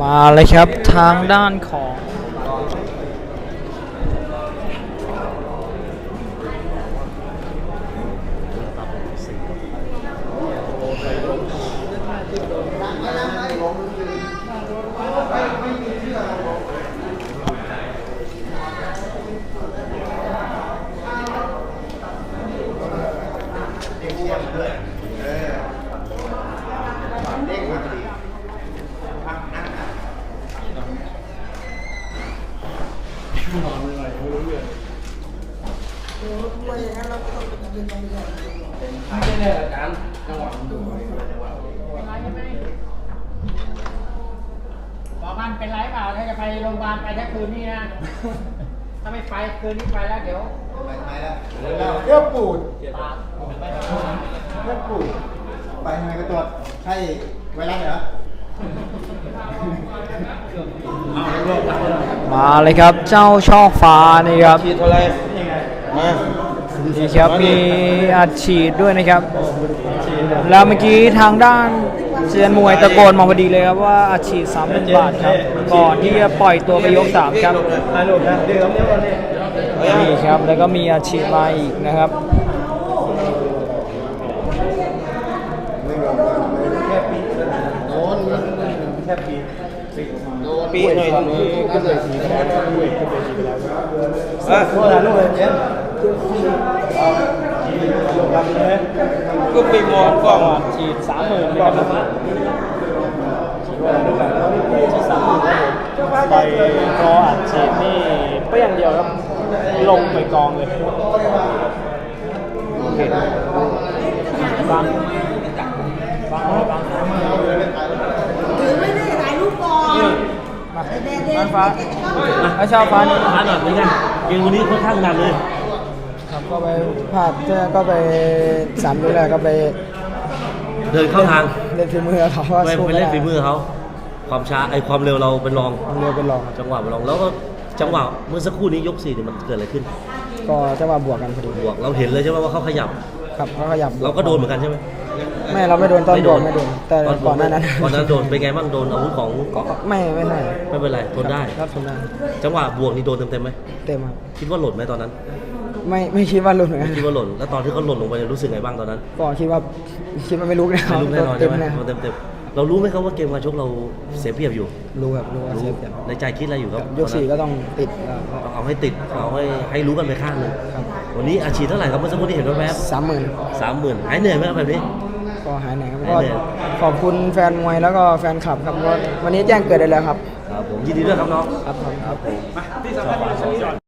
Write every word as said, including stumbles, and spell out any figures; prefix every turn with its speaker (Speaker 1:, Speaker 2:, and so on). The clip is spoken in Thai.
Speaker 1: มาเลยครับทางด้านของ
Speaker 2: ไม่ใช่เนี่ยอาจารย์จังหวะมันดู
Speaker 3: บอกมันเป็นไรเปล่าถ้าจะไปโรงพยาบาลไปทั้งคืนนี่นะ ถ้าไม่ไปคืนนี้ไปแล้วเดี๋ยว
Speaker 4: เลือดปูด
Speaker 3: ปาก
Speaker 4: เลือดปูดไปทำไมก็ตรวจใช่ไวรัสเหรอ
Speaker 1: มาเลยครับเจ้าช่อฟ้านี่ครับ
Speaker 2: ฉีดเท่าไรมา
Speaker 1: นี่ครับมีอัดฉีดด้วยนะครับ แล้วเมื่อกี้ทางด้านเซียนมวยตะโกนมาพอดีเลยครับว่าอัดฉีดสามพันบาทครับก่อนที่จะปล่อยตัวไปยกสามครับ
Speaker 2: ถ่ายรูปนะเดี๋ยวเดี๋ยวนี่
Speaker 1: นี่ครับแล้วก็มีอัดฉีดมาอีกนะครับ
Speaker 2: แค่ปีโดนแค่ปีปีหน่อยก็เลยสีแดงอ่ะโทษนะลูกเย็นก็ไปมองกล้อง
Speaker 1: ฉีดสามหมื่นนะครับฉีดว่าลูกแบบฉีดสามหมื่นครับผมไปรออัดฉีดนี่เปรี้ยงเดียวครับลงไปกองเลยโอเคฟังฟังฟัง
Speaker 5: ถือไม่ได้ถ่ายรูปก่อนมาเด็ดเด็ด
Speaker 1: ฟ้าแล้วชาวฟ้านี่
Speaker 2: ฟ้าหน่อยเป็นไงเกมวันนี้ค่อนข้างหนักเลย
Speaker 1: ครับก็ไปพลาดก็ไปสามยกแรกก็ไป
Speaker 2: เดินเข้าทาง
Speaker 1: เล่นฝีมือเขาว่า
Speaker 2: ไป
Speaker 1: สู้
Speaker 2: ไป
Speaker 1: ไม่
Speaker 2: เล่น
Speaker 1: ได้
Speaker 2: ฝีมือเขาความช้าไอความเร็วเราเป็นรอง
Speaker 1: เร็วเป็นรอง
Speaker 2: จังหวะเป็นรองแล้วก็จังหวะเมื่อสักครู่นี้ยกสี่เนี่ยมันเกิดอะไรขึ้น
Speaker 1: ก็จะว่าบวกกันพอดี
Speaker 2: บวกเราเห็นเลยใช่ไหมว่าเขาขยับ
Speaker 1: ครับเขาขยับ
Speaker 2: เราก็โดนเหมือนกันใช่ไหม
Speaker 1: ไม่เราไม่โดนตอนบวกไม่โดนแต่
Speaker 2: ตอน
Speaker 1: ก่อนหน้านั้น
Speaker 2: ก่อนหน้านั้นโดนเป็นไงบ้างโดนอาวุธของ
Speaker 1: ก็ไม่ไม่ไม่
Speaker 2: ไม่เป็นไรทนได้
Speaker 1: ครับทนได้
Speaker 2: จังหวะบวกนี่โดนเต็มๆไหม
Speaker 1: เต็มครับ
Speaker 2: คิดว่าหล่นไหมตอนนั้น
Speaker 1: ไม่ไม่คิดว่าหลุดเหมือนกัน
Speaker 2: คิดว่าหล่นแล้วตอนที่เขาหล่นลงไปเนี่ยรู้สึกไงบ้างตอนนั้น
Speaker 1: ก็คิดว่าคิดว่าไม่รู้นะ
Speaker 2: ไม่รู้แน่นอน
Speaker 1: เต็
Speaker 2: ใช่
Speaker 1: ม
Speaker 2: ไหม
Speaker 1: นะ
Speaker 2: โดนเต็มๆเรารู้ไหมครับว่าเกมการชกเราเสียเปรียบอยู่
Speaker 1: รู้ครับรู้ว่าเซฟเต็ม
Speaker 2: ในใจคิดอะไรอยู่ครับ
Speaker 1: ยกสี่ก็ต้องติดแล้ว
Speaker 2: ต้องเอาให้ติดเอาให้ให้รู้กันไปข้างหนึง
Speaker 1: ครับ
Speaker 2: วันนี้อาชีพเท่าไหร่ครับเมื่อสักครู่ที่เห็นแวบ
Speaker 1: สามหมื่น
Speaker 2: ๆสามหมื่นหายเหนื่อยไหมครับแบบนี้
Speaker 1: ก็หายไหนครับ
Speaker 2: หาย
Speaker 1: ก็
Speaker 2: เหนื่อย
Speaker 1: ขอบคุณแฟนมวยแล้วก็แฟนคลับครับก็วันนี้แจ้งเกิดได้แล้วครับ
Speaker 2: ครับผมยินดีด้วยครับน้อง
Speaker 1: ครับผม
Speaker 2: ครับผม